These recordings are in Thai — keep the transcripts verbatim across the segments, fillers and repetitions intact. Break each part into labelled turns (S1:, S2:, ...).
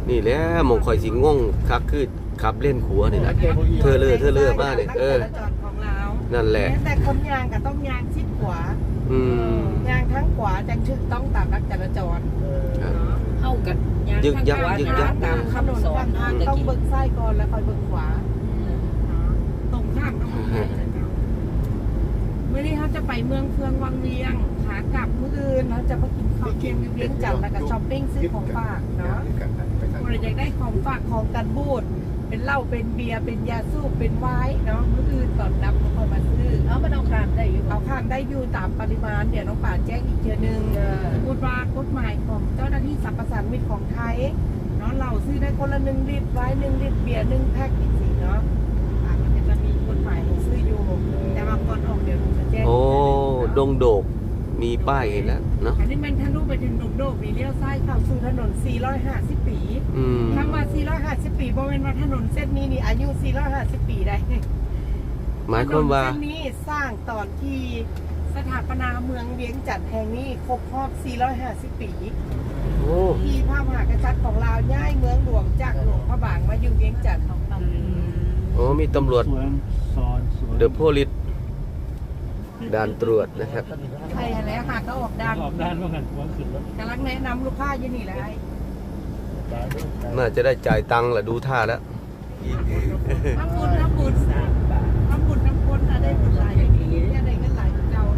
S1: นี่แหละมองคอยสิงงคักคือขับเล่นขัวนี่นะเธอเลือเธอเลือมาเนี่ยเออนั่นแหละ
S2: แต่คนยางก็ต้องยางชิดขวา
S1: อืม
S2: ยางทั้งขวาจังถึกต้องตามนักจราจร
S3: เข้ากัน
S1: ยึกยักยึกยัก
S2: ตามถนนข้างทางต้องเบิกซ้ายก่อนแล้วค่อยเบิกขวาตรงข้ามต้องเมื่อนี้เขาจะไปเมืองเฟืองวังเวียงขากลับมื้ออื่นเราจะไปกินข้าวเที่ยงเวียงจันทร์แล้วก็ช้อปปิ้งซื้อของฝากเนาะคนอยากได้ของฝากของกันบูดเป็นเหล้าเป็นเบียร์เป็นยาสูบเป็นไวน์เนาะมื้ออื่นก่อนรับเขาค่อยมาซื้อเอามันเอาคานได้อยู่เอาคานได้อยู่ตามปริมาณเดี๋ยวน้องป่าแจ้งอีกเทีนึงพูดว่ากฎหมายของเจ้าหน้าที่สรรพสามิตของไทยเนาะเราซื้อได้คนละหนึ่งลิตรไวน์หนึ่งลิตรเบียร์หนึ่งแพ็คอีกสิเนาะมันจะมีกฎหมายให้ซื้ออยู่แต่ว่าก่อนออกเดี๋ยวจะแจ้ง
S1: โอ้ดงโดกมีป้ายเห็นแล้วเนาะ
S2: อันนี้มันทะลุไปถึงดงโดกมีเลี้ยวซ้ายเข้าสู่ถนนสี่ร้อยห้าสิบปีคำว่าสี่ร้อยห้าสิบปีบ่เป็นว่าถนนเส้นนี้นี่อายุสี่ร้อยห้าสิบปีได้
S1: หมายความว่า
S2: เส้นนี้สร้างตอนที่สถาปนาเมืองเวียงจันทร์แห่งนี้ครบรอบสี่ร้อยห้าสิบปี
S1: โอ้
S2: ที่พระมหากษัตริย์ของลาวย้ายเมืองหลวงจากหลวงพระบางมาอยู่เวียงจันทร์
S1: โอ้มีตำรวจเดอะโพลิสด่านตรวจนะครับ
S2: ใครอะไรหาก็ออกด่าน
S4: ออกด่านว่ากันว่าขึ้นรถ
S2: กำลังแนะนำลูกค้าอยู่นี่แหละ
S1: น่าจะได้จ่ายตังค์แหละดูท่าแล้ว
S2: ทำบุญทำบุญทำบุญทำบุญได้บุญหลายอย่างนี้ได้เงินหลายเจ้า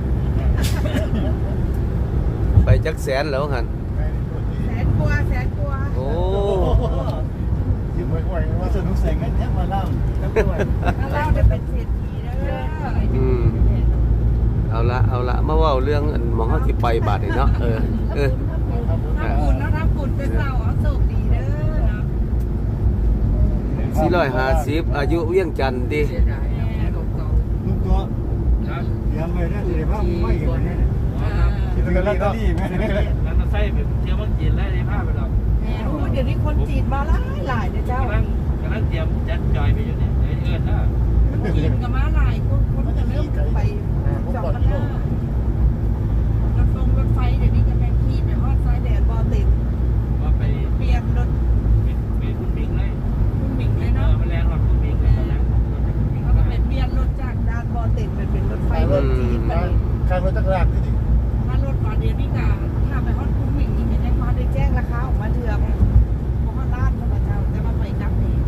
S1: ไปจักแสนแล้วหัน
S2: แสนกว่าแสนกว่า
S1: โอ้
S4: ยืมไว้ไว้ว่าสนุกเสียงกันแทบมาเล่า
S2: ถ้าเล่าจะเป็นเศรษฐีแล้ว
S1: อืมเอาละเอาละมาว่าเรื่องมองเขาที่ไปบาทเนาะเออเออ
S2: ทำบุญแล้วทำบุญเป็นเราเอาโชคดีเด้อเนาะ
S1: สี่ร้อยห้าสิบอายุเวียงจันทร์ดิ
S4: ลูกตัวเลี้ยงไว้ได้สิภาพไม่เห็นเนี่ยคิดกันแล้วก็ดีไหมแล้วก็ใส่แบบเที่ยวเมืองจีนแล้วในภาพไปหรอก
S2: รู้เดี๋ยวนี้คนจีนมาหลายหลายเด้อเจ้าก
S4: ำลังกำลังเตรียมจัดจอยไปอยู่เนี่ยเอิญนะ
S2: จีนก็มาหลายคนคนจะเริ่มไปจอดกันหน้ารถลงรถไฟเดี๋ยวนี้จะแม่ขี่ไปฮอดซ้ายแดนบอติด
S4: ว่าไป
S2: เปลี่ยนรถ
S4: เป็นคุณมิงเลย
S2: คุณมิงเลยเนาะ
S4: มาแรงรถคุณมิงเลยนะ
S2: เขาก็เป็นเปลี่ยนรถจากด้านบอติดเป็นเป็นรถไฟรถจีนไป
S4: ข้างรถตั้งรากนี่
S2: ถ้ารถมาเดี๋ยวนี้ก็ถ้าไปฮอดคุณมิงนี่จะมาได้แจ้งราคาออกมาเถื่อนเพราะว่าร้านเขาเจ้าแต่ว่าไปกลับเอง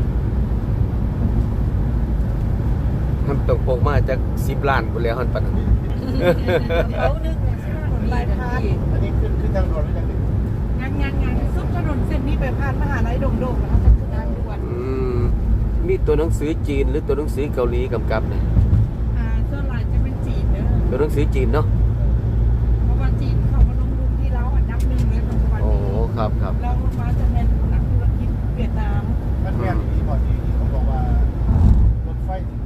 S1: ทำตกปกมาจากสิบล้านไปแล้วฮันปัน
S2: เขานึกลายพาน
S4: อันนี้ขึ้นขึ้นทางด่วนหรือยัง
S2: งานงานงานซุปถนนเส้นนี้ไปผ่านมหาลัยโด่งๆแล้วจะขึ้นทางด่วน
S1: มีตัวหนังสือจีนหรือตัวหนังสือเกาหลีกำกับเนี่ย
S2: อ่าส่วนหลายจะเป็นจีนเนอะ
S1: ตัวหนังสือจีนเนาะ
S2: เพราะว่าจีนเขามาลงทุนที่เราอันดับหนึ่งเลยปัจจุบันนี้
S1: โอ้ครับครับ
S2: เราลงมาจะเป็นนักธุรกิจเวียดนาม
S4: มันแม่ที่ก่อนที่เขาบอกว่ารถไฟ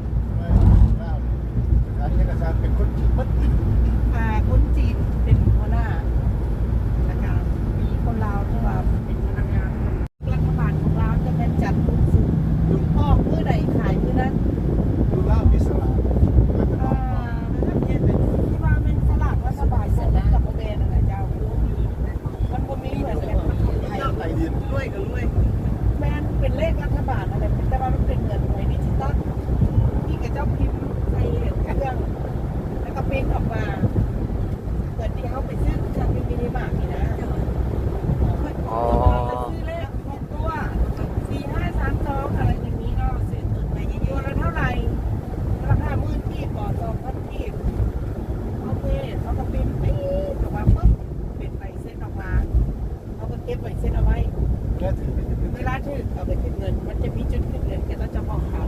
S4: อันนี้กระซานเป็นคนจีนมัด
S2: อ่าคนจีนเป็นหัวหน้านะครับมีคนลาวที่ว่าเป็นพนักงานรัฐบาลของเราจะเป็นจัดบุญสูงลูกพ่อเมื่อใดขายเมื่อนั้น
S4: ดูล่าพิศลา
S2: อ่าถ้าเพียนเป็นที่ว่าเป็นสลากรัฐบาลเสร็จแล้วกับโมเดลอะไรเจ้ามีมันก็มีเหมือนกันไทยด้วยกันด้วยแม้เป็นเลขรัฐบาลอะไรแต่ว่ามันเป็นเงินหน่วยดิจิตอลที่กับเจ้าพิมพ์ใส่เครื่องแล้วก็เป็นออกมาเกิดที่เขาไปซื้อเครื่องมินิมาร์ทนี่นะอ๋อซื้อเลขหกตัวสี่ห้าสามสองอะไรอย่างนี้ก็ซื้อตัวละเท่าไหร่ราคาหมื่นที่ก่อสองพันที่โอเคเขาก็เป็นปี๊ดออกมาปุ๊บเป็นใบเซ็นออกมาเขาก็เก็บใบเซ็นเอาไว้เวลาถือเอาไปขึ้นเงินมันจะมีจุดขึ้นเงินแกต้องจะบอกเขา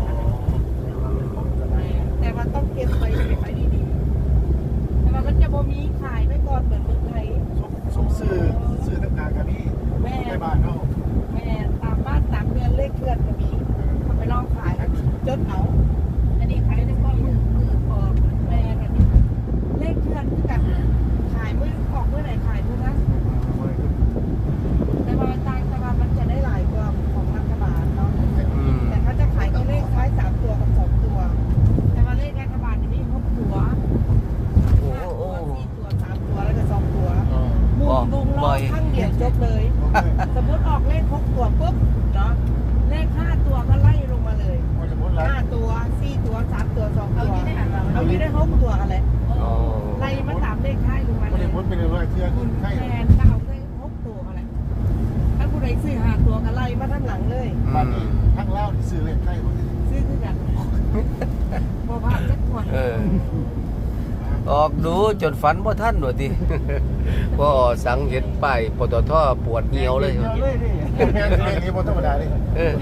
S2: แต่ว่าต้องเก็บไปเก็บไปดีๆแต่ว่ามันจะบ่มีขายไว้ก่อนเหมือนเมืองไทย
S4: สมซื้อซื้อต่างๆกันนี่
S2: แม่
S4: ในบ้านเขา
S2: แม่ตามบ้านตามเรือนเลขเคลื่อนก็มีทำไปลองขายแล้วจดเอาอันนี้ขายได้ก็มือมือพอแม่อันนี้เลขเคลื่อนคือกันขายเมื่อออกเมื่อไหร่ขายเมื่อนั้นแต่ว่าต่างแต่ว่ามันจะได้หลายกว่าของรัฐบาลเนาะแต่เขาจะขายตัวเลขท้ายสามตัวกับสองตัวแต่ว่าเลขรัฐบาลจะมีหกตัวห้าตัวสี่ตัวสามตัวแล้วก็สองตัวมุงวงล้อข้างเดียวจบเลยซื้อหาตัวกันไล่มาทั้งหลังเลย
S1: อืม
S5: ทั้งเล่าที่ซื้อเลขใกล้หมดเลย
S2: ซื้อคือกันบ่ผ่านสักคน
S1: เออออกดูจนฝันบ่ทันว่าติ พอสังเห็นป้ายปตทปวดเหี่ยวเลย
S5: แม่งเลขนี้บนธรรมดาเลย
S1: เออ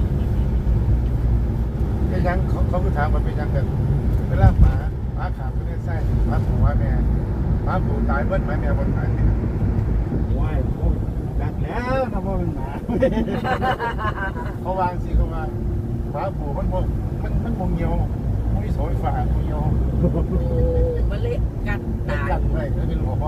S5: เป็นยังเขาเขาคือถามมันเป็นยังกันเวลาหมาหมาขาดก็ได้ไส้หมาผูหมาแม่หมาผูตายเบิ้ลหมาแม่บนตาย
S4: ว้ายโอ้ยดักแล้วนะว่ามันหมา
S5: เขาวางสิเขาวางหมาผูมันมงมันมันมงเหี่ยวมันมีโสยฝ่ามงเหี่ยว
S3: โอ้มาเละกัน
S5: เล่น
S3: ตาย
S5: กันเลยแล้วเป็นหัวพ่อ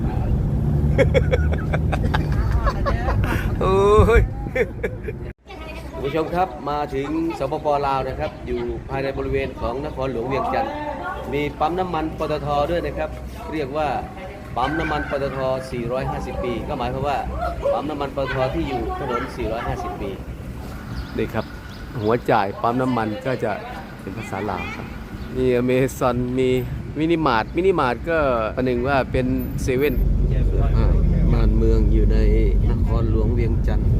S1: โอ้ยคุณผู้ชมครับมาถึงสปปลาวนะครับ อยู่ภายในบริเวณของนครหลวงเวียงจันทร์มีปั๊มน้ำมันปตทด้วยนะครับ เรียกว่าปั๊มน้ำมันปตท สี่ร้อยห้าสิบ ปี ก็หมายความว่าปั๊มน้ำมันปตทที่อยู่ถนน สี่ร้อยห้าสิบ ปีนี่ครับ หัวจ่ายปั๊มน้ำมันก็จะเป็นภาษาลาวครับมีอเมซอนมีมินิมาร์ทมินิมาร์ทก็ประหนึ่งว่าเป็นเซเว่นบ้านเมืองอยู่ในนครหลวงเวียงจันทร์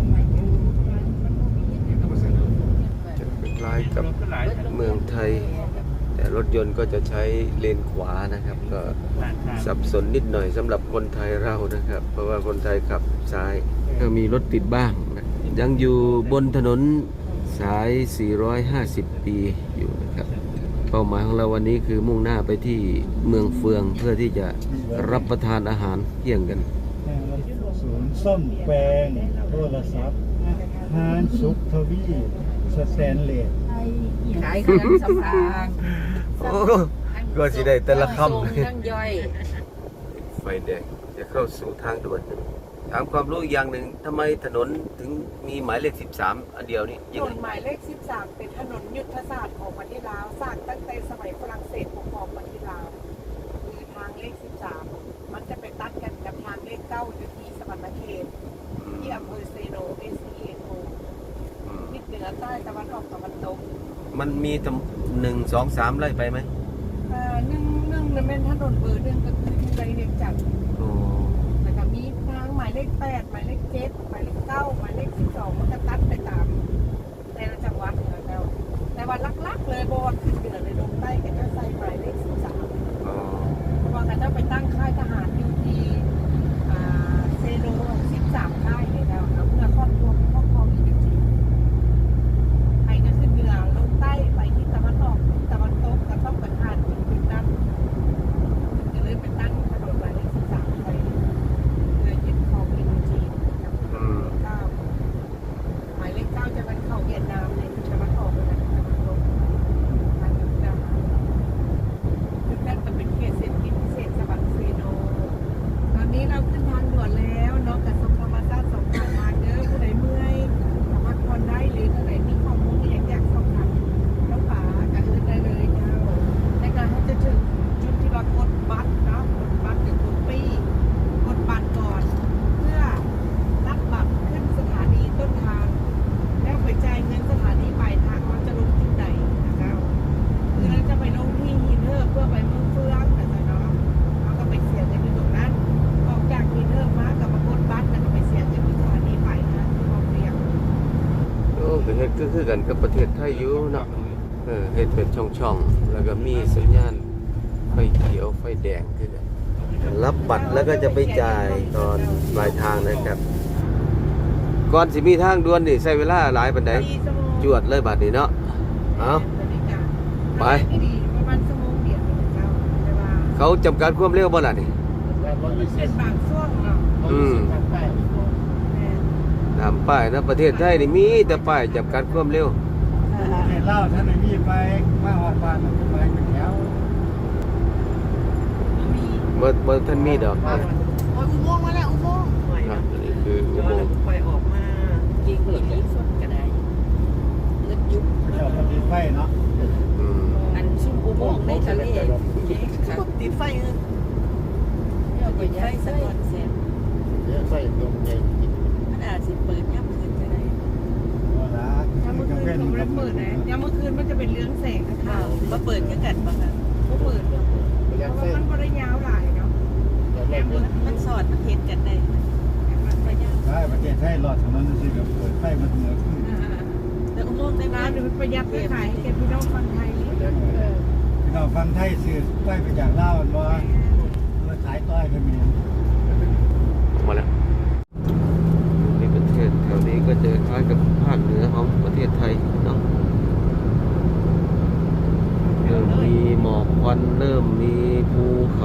S1: จะคล้ายกับเมืองไทย แต่รถยนต์ก็จะใช้เลนขวานะครับ ก็สับสนนิดหน่อยสำหรับคนไทยเรานะครับ เพราะว่าคนไทยขับซ้ายก็มีรถติดบ้างนะยังอยู่บนถนนสาย สี่ร้อยห้าสิบ ปีอยู่นะครับเป้าหมายของเราวันนี้คือมุ่งหน้าไปที่เมืองเฟืองเพื่อที่จะรับประทานอาหารเที่ยงกัน
S4: ศูนย์ซ่อมแปลงโทรศัพท์ฮานสุขทวีสแตนเลส
S3: ขายเครื่องสำอาง
S1: โอ้ก็สิได้แต่ละค
S3: ส่งทั้งย่อย
S1: ำไฟแดงจะเข้าสู่ทางด่วนถามความรู้อีกอย่างหนึ่งทำไมถนนถึงมีหมายเลขสิบสามอันเดียวนี่
S2: ถ
S1: ยัง
S2: น
S1: ไง
S2: นหมายเลขสิบสามเป็นถนนยุทธศาสตร์ของประเทศลาวสร้างตั้งแต่สมัยฝรั่งเศสปกครองประเทศลาวคือทางเลขสิบสามมันจะไปตัดกันกับทางเลขเก้าอยู่ที่สวรรณเขตที่อำเภอเซโนเอสเอโน
S1: อืม
S2: ทิศเหนือใต้ตะวันออกตะวันตก
S1: มันมีตำหนึ่งสองสามไล่ไปไหม
S2: อ่าหนึ่งหนึ่งนั่นเป็นถนนเบอร์หนึ่งก็คือที่ไรเรียงจัด
S1: โอ้
S2: แล้วก็มีทางหมายเลขแปดหมายเลขเจ็ดหมายเลขเก้าหมายเลขสิบสองมันจะตัดไปตามแต่ละจังหวัดนะครับแต่ว่าลักๆเลยบอลขึ้นเหนือเลยลงใต้ก็จะใส่หมายเลขสิบสาม
S1: อ๋อ
S2: เพราะว่าเขาจะไปตั้งค่ายทหารอยู่ที่อ่าเซโนสิบสามค่ายเลยนะเอาเพื่อครอบครัวครอบครองอีกจริงๆไปก็ขึ้นเหนือลงใต้ไปที่ตะวันออกตะวันตกก็ต้องไปผ่านถึงจุดนั้นจะเลยไปตั้งถนนหมายเลขสิบสามไปเพื่อยึดครองอินโดจีนกับ
S1: อืม
S2: เก้าหมายเลขเก้าจะเป็นเข้าเวียดนามในตะวันออกเลยนะตะวันตกทางยุทธนาจุดนั้นจะเป็นเขตเศรษฐกิจพิเศษสวรรค์เซโน ตอนนี้เราขึ้นทางด่วนแล้วเนาะกับสมธรรมชาติสองทางมาเด้อผู้ใดเมื่อยสามารถผ่อนได้หรือผู้ใดมีข้อมูลที่อยากอยากสอบถามน้องป๋ากับอื่นได้เลยเจ้าในการที่จะถึงจุดที่ว่ากดบัตรเนาะกดบัตรหรือกดปีกดบัตรก่อน เพื่อรับบัตรขึ้นสถานีต้นทาง แล้วไปจ่ายเงินสถานีปลายทางเราจะลงที่ไหนนะครับคือเราจะไปลงที่ฮีเทอร์เพื่อไปเมืองเฟืองนะเนาะเราก็ไปเสียเงินอยู่ตรงนั้น ออกจากฮีเทอร์มากับมากดบัตรแล้วก็ไปเสียเงินที่สถานีปลายทางที่เราเรียก
S1: โอ้ก็เฮ็ดก็คือกันกับประเทศไทยอยู่เนาะเออเฮ็ดเป็นช่องๆแล้วก็มีสัญญาณไฟเขียวไฟแดงคือกันรับบัตรแล้วก็จะไปจ่ายตอนปลายทางนะครับ ก่อนสิมีทางด่วนนี่ใช้เวลาหลายปานใดจวดเลยบัดนี้เนาะเอาไป
S2: ประมาณชั่วโมงเดียวเองเจ้าแต่ว่า
S1: เขาจำกัดความเร็วบ่ล่ะนี่
S2: เป็นบางช่วงเนาะ
S1: อืม
S2: แม่
S1: ตามป้ายนะประเทศไทยนี่มีแต่ป้ายจำกัดความเร็ว
S4: เห็นเล่าท่านไหนมีไปมาหอดบ้านไปเป็นแถว
S2: มี
S1: บ่บ่ท่านมีดอกค
S2: โอ้ยอุโมงค์มาแล้วอุโมงค์
S1: รับนี่คืออุโมงค์
S3: ไปออกมายิงหรือยิงส่วนก็ได้เลือดยุบ
S4: เจ้าคนติดไฟเนาะ
S1: อืม
S3: อันซุ่มอุโมงค์ในทะเลเจ๊ค่ะ
S2: ติดไฟเออ
S3: เอาไปย้ายสะกอนเสร็จ
S5: เดี๋ยวใส่ตรงใหญ่
S3: มันอาจสิเปิดย่ำขึ้นก็ได้
S4: เวลาย
S2: ามเมื่อคืนเขาไม่ได้เปิดนะยามเมื่อคืนมันจะเป็นเรื่องแสงนะ
S3: ข่า
S2: คะ
S3: วมาเปิดกันกันบ้างคะ
S2: เขาเปิดเพ
S5: พยายาม
S2: ราะว่า
S5: ใส่
S2: มันบริยาวหลายเนาะ
S5: เดี๋ยว
S3: มันสอดมันเห็นกันได้มันไปย่ำ
S4: ใช่ประเทศไทยรอดถนนสิแบบเปิดไฟมันเหนือขึ้น
S2: แต่อุโมงค์ในร้านมันประหยัดไปขายให้แกพี่น้องฟังไทยนี่
S4: พี่น้องฟังไทยซื้อไฟไปจากลาวมันบ่มาขายต้อยก็มี
S1: มาแล้วในประเทศแถวนี้ก็จะคล้ายกับภาคเหนือของประเทศไทยเนาะเริ่มมีหมอกควันเริ่มมีภูเขา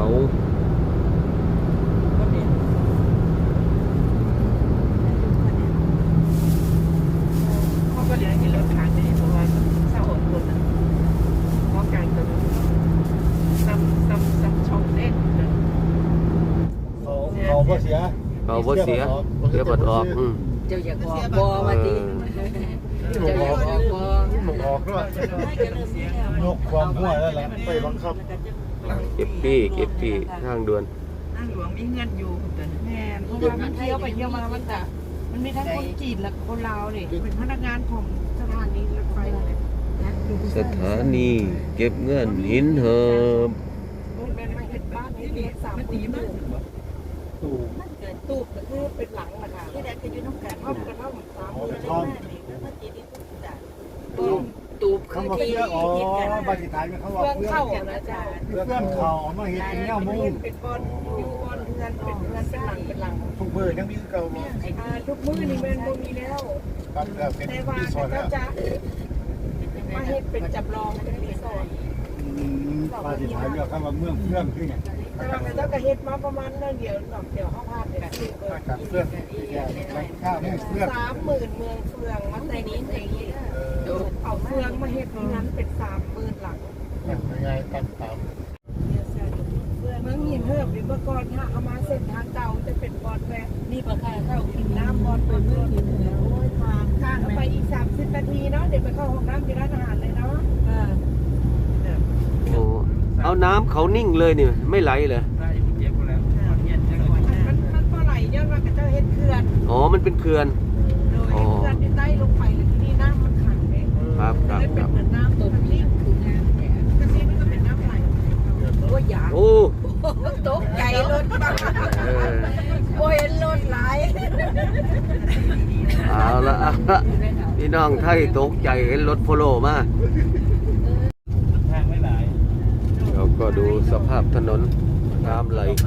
S2: เขาก็เหลือให้รถขายในเพราะว่าเศร้าอดทนนะเพราะการกระทำซ้ำซ้ำซ้ำช่องเล็กนะ
S4: เขาเขาบ่เสีย
S1: เขาบ่เสียเสียบัดออกอืม
S3: เจ้าอยากออกบ่ว่าติเจ้าอยากออกบ่
S5: หมกออกด้วยนกความหัวแล้วล่ะไปบังคับ
S1: เก็บปี้เก็บปี้ทางด่วน
S2: นั่งหลวงมีเงินอยู่แต่แม่เพราะว่ามันเที่ยวไปเที่ยวมามันจะมันมีทั้งคนจีนและคนลาวเนี่ยเป็นพนักงานของสถานีรถไฟเลย
S1: สถานีเก็บเงินหินเหิม
S2: เป็นมาเห็นบ้านที่มีสามปีมาก
S4: ตู่
S2: ตูบก็คือเป็นหลังนะคะที่แรกก็อยู่น้องกันท่อมกันท่อมสามมือ
S4: ท่อม
S3: ตูบตูบคือ
S4: คำว่า
S3: ที่
S4: เพื่ออ๋อ
S3: คิดกัน
S4: บาสิตายมันเขาว่า
S2: เพื่อน
S4: เพื่อ
S2: เข้านะจ๊ะ
S4: เพื่อนเขาเอามาเฮ็ดเป็นแนวมุง
S2: เป็นบอลอยู่บอลเงินเป็นเงินเป็นหลังเป็นหลัง
S5: ทุกมือยังมีเก่าบ่
S2: อ่าทุกมือนี่มันบ่มีแล้ว
S5: ปั๊บแล้วเป็น
S2: แต่ว่า
S5: รีสอร์ทแล้
S2: ก็
S5: ว
S2: จะมาเฮ็ดเป็นจำลองเป็นรีสอร์ท
S4: อืมบาสิตายเรียกคำว่าเมืองเพื่อนคือไง
S2: แต่ว่าเจ้าก็เฮ็ดมาประมาณนั้นเดียวหน่อยเดียวเขาพาดเนี่ยคือ
S5: อากาศเพื่อนข้าวเพื่อน
S2: สามหมื่นเมืองเฟืองมาแต่นี้ในนี้
S5: เออ
S2: เอาเฟืองมาเฮ็ดที่นั้นเป็นสามหมื่นหลัง
S5: ยังไงตามตาม
S2: เมืองหินเหิบหรือเมื่อก่อนถ้าเอามาเส้นทางเก่าจะเป็นบอลแวะนี่ปะค่ะเข้ากินน้ำบอลเปิดเมืองหินเหิบโอ้ยทางข้างไปอีกสามสิบนาทีเนาะเดี๋ยวไปเข้าห้องน้ำที่ร้านอาหารเลยเนาะ
S1: โอ้เอาน้ำเขานิ่งเลยนี่ไม่ไหลเลย
S4: ได้เจ็บแล้วเย็นจังเลย
S2: มันมันปลาไหลย้อนว่ากับเจ้าเฮ็ดเขื่อน
S1: อ๋อมันเป็นเขื่อน
S2: โดยเฮ็ดเขื่อนที่ใต้ลงไปเลยที่นี่น้ำมันขังเอง
S1: ครับครับ
S2: เลย
S1: ค
S2: เป็
S1: รั
S2: น
S1: บ
S2: เหมือนน้ำตัวนี้คืองานแต่กระซีมันก็เป็นน้ำไหล
S3: โอ้ยอยาก
S1: โอ้
S3: ตกใจรถบ้า
S1: เออ
S3: โอ้ยรถหลาย
S1: เอาละเอาละพี่น้องไทยตกใจเห็นรถโพโลมา
S4: ทางไม่หลาย
S1: เราก็ดูสภาพถนนน้ำไหลเขา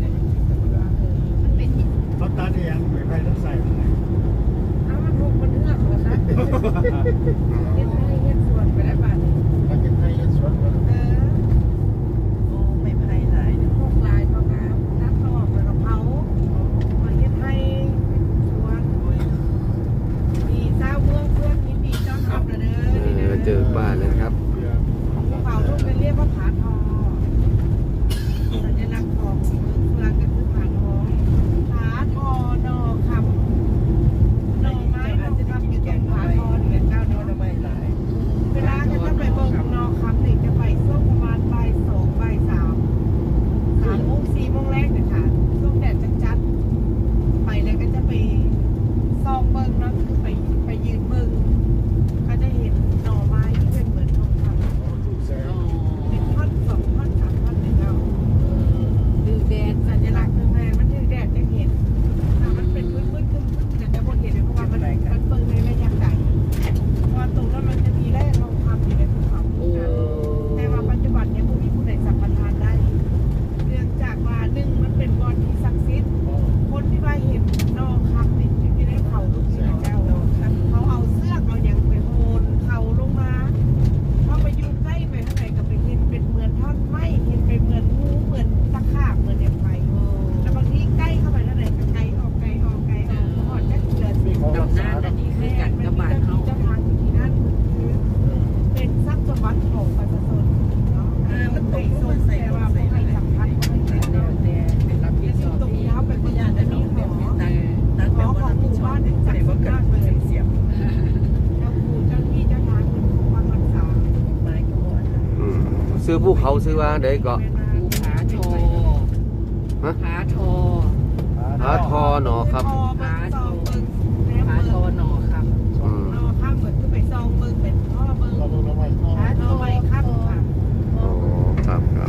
S4: รถตัดเองไม่ไปต้องใส่
S2: น้ำมันถูกมันเอื้อกเหรอคะเฮ็ดให้เฮ็ดสวนไปได้ป่ะนี่
S5: มาเก็บให้สวน
S2: เออโอ้ไม่ไผหลายพวกลายพวกน้ำน้ำนอกแล้วก็เผามาเฮ็ดให้สวนมีเจ้าเมืองเพื่อนยินดีต้อนรับเด้อ
S1: เอ
S2: นี่
S1: อ
S2: นะ
S1: เจอบ้านนะครับ
S2: ภูเขาลูกเป็นเรียกว่าผาทองสัญลักษณ์ของเมืองเฟืองก็คือผาทองผาทอนอคำหน่อไม้อาจจะทำอยู่ตรงผาทอนี่แหละเจ้าเนอไม้หลายเวลาก็จะไปเบิ่งนอคำนี่จะไปช่วงประมาณบ่ายสองบ่ายสามสามโมงสี่โมงแรกเนี่ยค่ะช่วงแดดจัดๆไปแล้วก็จะไปซองเบิ่งเนาะคือไปไปยืนเบิ่งก็จะเห็นหน่อไม้ที่เป็นเหมือนทองคำ เป็นท่อนสองท่อนสามท่อนเลยเรา
S3: ดูแดด
S2: สัญลักษณ์หนึ่งไงมันถือแดดจะเห็นถ้ามันเป็นมืดมืดคึมคึมจะจะบนเห็นเลยเพราะว่ามันมันเปิดในระยะไกลเพราะตรงนั้นมันจะมีแร่ทองคำอยู่ในภูเขา
S3: โอ้
S2: แต่ว่าปัจจุบันเนี่ยผู้มีผู้ใดสัมปทานได้ เนื่องจากว่าหนึ่งมันเป็นบอลที่ศักดิ์สิทธิ์คนที่ว่าเห็นนอคำนี่ที่ได้เผาทุกที่เจ้าเขาเอาเสื้อเอาอย่างไปโหนเขาลงมาพอไปอยู่ใกล้ไปข้างในก็ไปเห็นเป็นเหมือนท่อนไม้เห็นเป็นเหมือนงูเหมือนตะขาบเหมือนอย่างไรแล้วบางทีใกล้เข้าไปเท่าไหร่ก็ไกลออกไกลออกไกลออกพอจะเกิดสิ่ง
S3: ดำน้ำอันนี้คือกันกับบ้านเฮา
S2: เจ้าทางอยู่ที่นั่นคือเป็นทรัพย์สมบัติของประชาชนเนาะมันเป็นส่วนแต่ว่าไม่ให้สำคัญไม่ให้แต่
S3: แล้วแต่เป็นรับผิดชอบ
S2: ตรง
S3: ที่
S2: นี้เขาเป็นพยานจะมีหอ
S3: ตั้งตั้ง
S2: ห
S3: แต่
S2: อ
S3: ว่า
S2: ขอ
S3: รั
S2: ง
S3: บ
S2: ห
S3: ผิด
S2: มู่
S3: ชอ
S2: บ้า
S3: บ
S2: นถึงจัดสุดยอดเลยเสียบเจ้าปู่เจ้าที่เจ้าทางเป็นผู้ฟังรักษา
S3: ไม้ก็บ่อน
S1: อืมซื้อภูเขาซื้อว่าได้ก็
S3: ภูผาทอ
S1: ฮะ
S3: ผาทอ
S1: หาทอหนอครับ
S2: ผาทอเบิ้งแนม
S3: ผา
S2: เบิ้
S3: ทอง หนอค
S1: อืม
S2: นอข้ามเหมือนคือไปซองเบิ้งเป็นท่อเบิ้ง
S5: เราลงน้ำมัน
S2: ผาทอใบข้ามค่ะ
S1: โอ้ครับครับ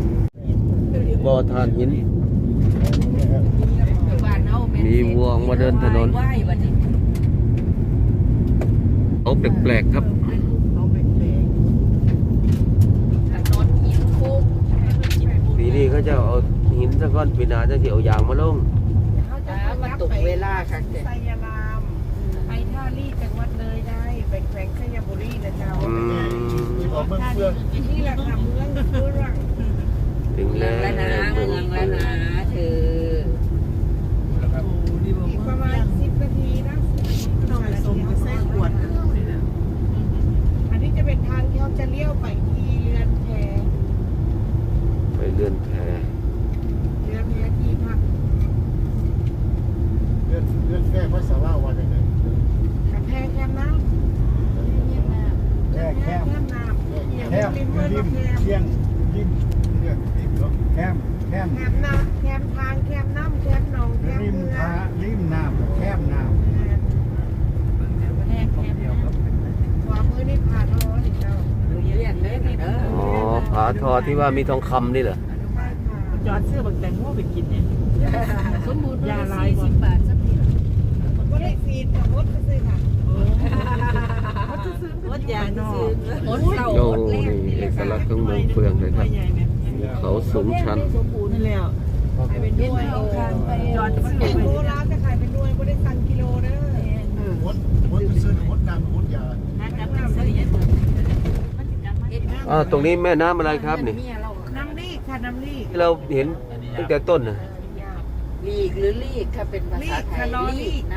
S1: บ่อทานหิน
S3: ำอยู่บ้านเฮาแม่น
S1: มีวัวมาเดินนถนน
S3: ไหว้วันนี้
S1: เอาแปลกๆครับ
S2: เอาเป็นเพลง
S3: ถนนหินคุก
S1: ปีนี้เขาจะเอาหินสักก้อนปีหนาจะเอายางมาลง
S2: เขาจะ
S3: อ่ามาตกเวลาค่ะเด็ก
S2: ไซยารามไปท่าลี่จังหวัดเลยได้ไปแขวงชัยบุรีนะเจ้า
S1: อืม
S5: ที่บอกเมืองเฟือง
S2: นี่แหละค่ะเมืองเฟือง
S1: ถึง
S3: เมื
S1: แล้
S3: อง
S1: ว
S3: แล้วนะเมืองแล้วนะเธอ
S5: นะครับ
S2: อีกประมาณสิบนาทีนะหน่อยสมกับไส้ขวดอันนี้จะเป็นทางที่เขาจะเลี้ยวไปที่เรือนแพ
S1: ไปเลื่อนแพ
S2: เรือนแพที่พัก
S5: เรื่องเรื่องแก้ภาษาว่าวันยังไง
S2: กับแพแคมน้ำ
S5: แก้
S2: แพ
S5: แคบ
S2: แคมน้ำ
S5: แคบ
S2: ริมเมือง
S5: ริม
S2: แคม
S5: เชียงริมเรื่องริมเนาะแคบแคบ
S2: แคมน้ำแคมทางแคมน้ำแคมหนองแคม
S5: ริม
S2: เมือ
S5: ทางริมน้ำแคบน้ำ
S2: ขวามือนี่ผ่านร้อนอีกแล้ว
S3: เรียกได้นะเด้อ
S1: อ๋อผาทอที่ว่ามีทองคำนี่เหรอ
S2: ใช่ค่ะ
S6: จอดเสื้อบางแตงโมไปกินเนี่ย
S3: สมมุติว่าสี่สิบบาทสักที
S2: ก็ได้ฟีดกับมดก็ซื้อค่ะ
S6: รถยางนอก
S3: หมดเก่า
S1: โอ้
S3: หมดแร
S1: นี่
S3: กนี่แห
S1: เอ
S3: ละ
S1: ก
S3: ค่ะ
S1: ลักษณ์ของเมืองเฟืองเลยครับ
S6: ใหญ่ไหม
S1: เขาสูงชัน
S6: นั่นแล้ว
S2: ขายเป็นด้วย
S3: เอาข้างไป
S6: จอดเสื้อ
S2: เป็น
S6: ไป
S2: โลร้านจะขายเป็นด้วยไม่ได้สั่งกิโลเด้อ
S5: มดมดไปซื้อมดน้ำมดยา
S1: อ่าตรงนี้แม่น้ำอะไรครับนี่
S2: น้ำรีกค่ะน้ำรีก
S1: ที่เราเห็นตั้งแต่ต้นนะ
S3: ลีกหรือลีกค่ะเป็นภาษาไทยลีกนะ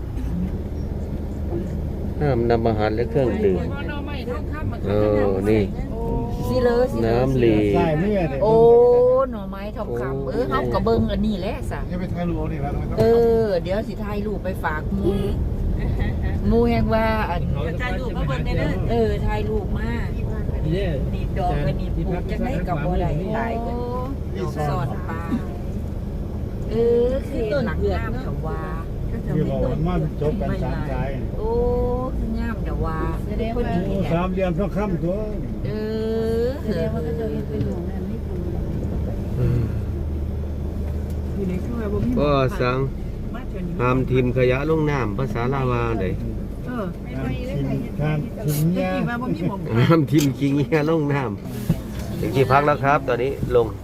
S1: ห้ามนำอาหารและเครื่องดื่ม
S2: พอเราไม่ท่องข้ามมา
S1: เออนี่
S3: สิเลยสิเลย
S1: น้ำลี
S5: ใช่เมื่อเนี่ย
S3: โอ้หน่อไม้ทองคำเออเฮากระเบิงอันนี้แหละสะ
S5: ยังไปถ่ายรูปนี่แล้วไม่ต้อง
S3: เออ เดี๋ยวสิถ่ายรูปไปฝากหมูหมูแห่งว่าอัน
S6: ถ่ายรูปมาเบิ่งได้เด้อ
S3: เออถ่ายรูปมา
S4: นี่
S3: นี่ดอกอันนี้ปลูกจังได๋กับบ่ได้หลายกันดอกสอดปลาเออคือหลังน้ำกับว่า
S5: คือบอกว่ามันจบกันสามสาย
S3: โอ้คืองามเดี๋ยวว่าพอดี
S5: โอ้
S3: เนี่ย
S5: สามเหลี่ยมต้องค้ำตัว
S3: เออเออ
S1: อืม
S6: อยู่ในครัวบ่มี
S1: ก็สั่ง
S6: มาเชิญ
S1: ห้ามทิมขยะลงน้ำภาษาลาวาได
S6: เออ
S5: ทานถึง
S6: จะ
S5: ยา
S6: กินมาบ่มีหม่อง
S1: ห้ามทิมขี้เงี้ยลงน้ำถึงที่พักแล้วครับ ตอนนี้ลง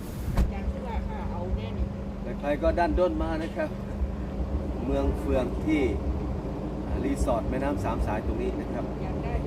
S1: ใครก็ด้านด้นมานะครับ เมืองเฟืองที่รีสอร์ทแม่น้ำสามสายตรงนี้นะครับ
S2: อยากได้